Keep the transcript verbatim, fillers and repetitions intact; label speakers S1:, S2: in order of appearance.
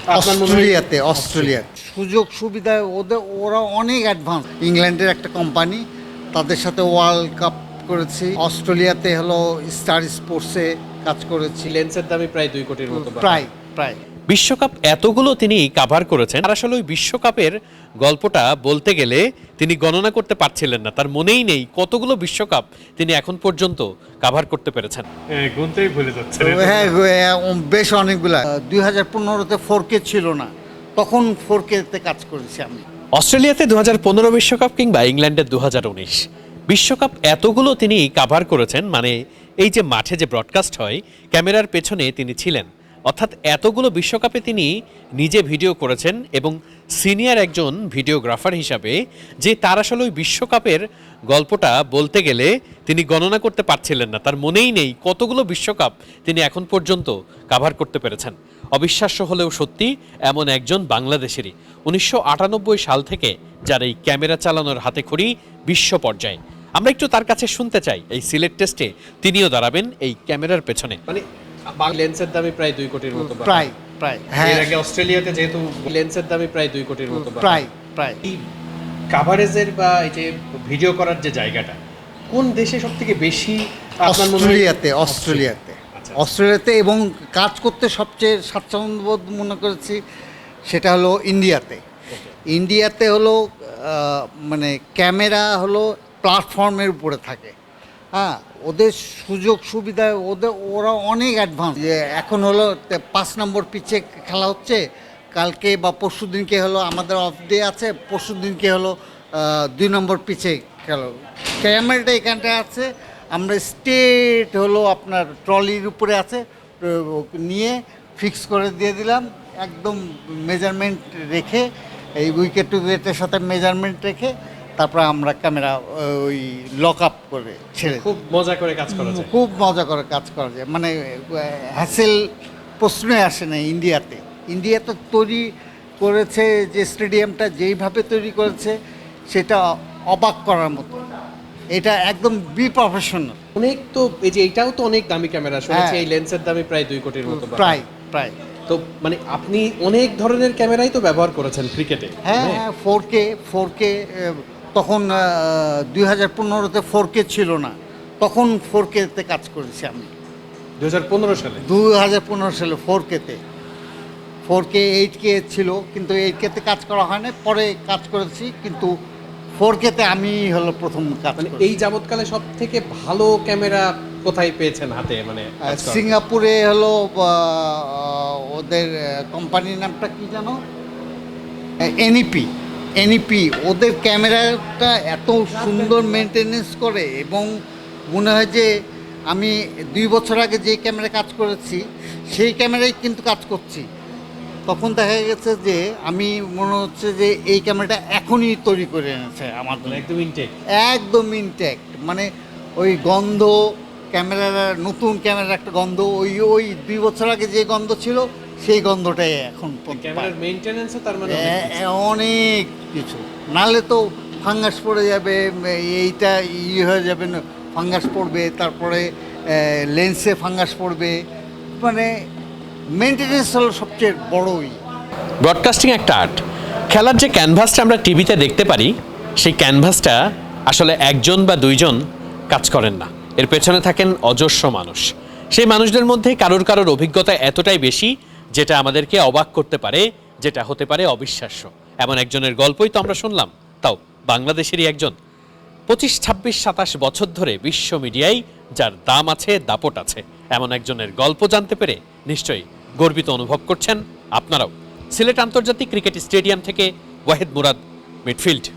S1: অস্ট্রেলিয়াতে অস্ট্রেলিয়া সুযোগ সুবিধায় ওদের ওরা অনেক অ্যাডভান্স। ইংল্যান্ডের একটা কোম্পানি, তাদের সাথে ওয়ার্ল্ড কাপ করেছি। অস্ট্রেলিয়াতে হলো স্টার স্পোর্টসে কাজ করেছি।
S2: লেন্সের দামই প্রায় দুই কোটির মতো।
S1: প্রায় প্রায়
S3: বিশ্বকাপ এতগুলো তিনি কাভার করেছেন, আর আসলে ওই বিশ্বকাপের গল্পটা বলতে গেলে তিনি গণনা করতে পারছিলেন না। তার মনেই নেই কতগুলো বিশ্বকাপ তিনি এখন পর্যন্ত কাভার করতে পেরেছেন।
S2: গুনতেই ভুলে যাচ্ছে।
S1: হ্যাঁ হ্যাঁ, বেশ অনেকগুলা। দুই হাজার পনেরোতে ফোর কে ছিল না, তখন ফোর কেতে কাজ করেছি আমি।
S3: অস্ট্রেলিয়াতে দু হাজার পনেরো বিশ্বকাপ কিংবা ইংল্যান্ডের দু হাজার উনিশ বিশ্বকাপ এতগুলো তিনি কাভার করেছেন, মানে এই যে মাঠে যে ব্রডকাস্ট হয় ক্যামেরার পেছনে তিনি ছিলেন, অর্থাৎ এতগুলো বিশ্বকাপে তিনি নিজে ভিডিও করেছেন এবং সিনিয়র একজন ভিডিওগ্রাফার হিসাবে যে তার আসলে ওই বিশ্বকাপের গল্পটা বলতে গেলে তিনি গণনা করতে পারছিলেন না। তার মনেই নেই কতগুলো বিশ্বকাপ তিনি এখন পর্যন্ত কাভার করতে পেরেছেন। অবিশ্বাস্য হলেও সত্যি, এমন একজন বাংলাদেশেরই উনিশশো আটানব্বই সাল থেকে যার এই ক্যামেরা চালানোর হাতে খড়ি বিশ্ব পর্যায়ে। আমরা একটু তার কাছে শুনতে চাই। এই সিলেট টেস্টে তিনিও দাঁড়াবেন এই ক্যামেরার পেছনে।
S2: মানে লেন্সের দামই প্রায় দুই কোটির মতো।
S1: প্রায় প্রায়
S2: হ্যাঁ, এর আগে অস্ট্রেলিয়াতে যেহেতু লেন্সের দামই প্রায় দুই কোটির মতো।
S1: প্রায় প্রায়
S2: এই কাভারেজের বা এই যে ভিডিও করার যে জায়গাটা কোন দেশে সবথেকে বেশি আপনার মনে হয়?
S1: অস্ট্রেলিয়াতে অস্ট্রেলিয়াতে অস্ট্রেলিয়াতে এবং কাজ করতে সবচেয়ে স্বাচ্ছন্দ্যবোধ মনে করেছি সেটা হলো ইন্ডিয়াতে। ইন্ডিয়াতে হলো আহ, মানে ক্যামেরা হলো প্ল্যাটফর্মের উপরে থাকে। হ্যাঁ, ওদের সুযোগ সুবিধায় ওদের ওরা অনেক অ্যাডভান্স। যে এখন হলো তে- পাঁচ নম্বর পিচে খেলা হচ্ছে, কালকে বা পরশু দিনকে হলো আমাদের অফ ডে আছে, পরশু দিনকে হলো আহ, দুই নম্বর পিচে খেলা। ক্যামেরাটা এখানটা আছে, আমরা স্টেট হলো আপনার ট্রলির উপরে আছে, তো নিয়ে ফিক্স করে দিয়ে দিলাম একদম মেজারমেন্ট রেখে, এই উইকেট টু উইকেটের সাথে মেজারমেন্ট রেখে তারপর আমরা ক্যামেরা ওই লক আপ করে ছেড়ে দিই।
S2: খুব মজা করে কাজ করা যায়।
S1: খুব মজা করে কাজ করা যায়, মানে হ্যাসেল প্রশ্নই আসে না। ইন্ডিয়াতে ইন্ডিয়াতে তৈরি করেছে যে স্টেডিয়ামটা যেইভাবে তৈরি করেছে সেটা অবাক করার মতো। এটা একদম বি প্রফেশনাল।
S2: অনেক তো এই যে এটাও তো অনেক দামি ক্যামেরা, শুনেছি
S1: হ্যাঁ।
S2: এই লেন্সের দামই প্রায় দুই কোটির মতো।
S1: প্রায় প্রায়
S2: তো মানে আপনি অনেক ধরনের ক্যামেরাই তো ব্যবহার করেছেন ক্রিকেটে।
S1: হ্যাঁ হ্যাঁ, ফোর কে ফোর কে তখন দুই হাজার পনেরোতে ফোর কে ছিল না, তখন ফোর কেতে কাজ করেছি আমি।
S2: দুই হাজার পনেরো সালে
S1: দুই হাজার পনেরো সালে ফোর কেতে ফোর কে এইট কে ছিল, কিন্তু এইট কেতে কাজ করা হয় না, পরে কাজ করেছি, কিন্তু ফোর কেতে আমি হলো প্রথম কাজ
S2: মানে
S1: করেছি।
S2: এই যাবৎকালে সব থেকে ভালো ক্যামেরা কোথায় পেয়েছেন হাতে? মানে কাজ করার?
S1: সিঙ্গাপুরে হলো আহ, ওদের কোম্পানির নামটা কি জানো, এনইপি এনইপি ওদের ক্যামেরাটা এত সুন্দর মেনটেনেন্স করে, এবং মনে হয় যে আমি দুই বছর আগে যে ক্যামেরা কাজ করেছি সেই ক্যামেরায় কিন্তু কাজ করছি। তখন দেখা গেছে যে আমি মনে হচ্ছে যে এই ক্যামেরাটা এখনই তৈরি করে এনেছে আমার জন্য।
S2: একদম ইনটেক।
S1: একদম ইনট্যাক্ট, মানে ওই গন্ধ, ক্যামেরার নতুন ক্যামেরার একটা গন্ধ, ওই ওই দুই বছর আগে যে গন্ধ ছিল সেই গন্ধটাই এখন পর্যন্ত
S2: ক্যামেরার
S1: পাই।
S2: মেইনটেনেন্সও তার মানে অনেক
S1: এ-
S2: কিছু।
S1: এ- অনেক কিছু, নাহলে তো ফাঙ্গাস পড়ে যাবে, এইটা ই হয়ে যাবে, না ফাঙ্গাস পড়বে, তারপরে লেন্সে ফাঙ্গাস পড়বে, মানে মেনটেনেন্স হলো সবচেয়ে বড়ই।
S3: ব্রডকাস্টিং একটা আর্ট। খেলার যে ক্যানভাসটা আমরা টিভিতে দেখতে পারি, সেই ক্যানভাসটা আসলে একজন বা দুইজন কাজ করেন না, এর পেছনে থাকেন অজস্র মানুষ। সেই মানুষদের মধ্যে কারোর কারোর অভিজ্ঞতা এতটাই বেশি যেটা আমাদেরকে অবাক করতে পারে, যেটা হতে পারে অবিশ্বাস্য। এমন একজনের গল্পই তো আমরা শুনলাম, তাও বাংলাদেশেরই একজন। পঁচিশ ছাব্বিশ সাতাশ বছর ধরে বিশ্ব মিডিয়ায় যার দাম আছে, দাপট আছে, এমন একজনের গল্প জানতে পেরে নিশ্চয়ই গর্বিত অনুভব করছেন আপনারাও। সিলেট আন্তর্জাতিক ক্রিকেট স্টেডিয়াম থেকে ওয়াহিদ মুরাদ, মিডফিল্ড।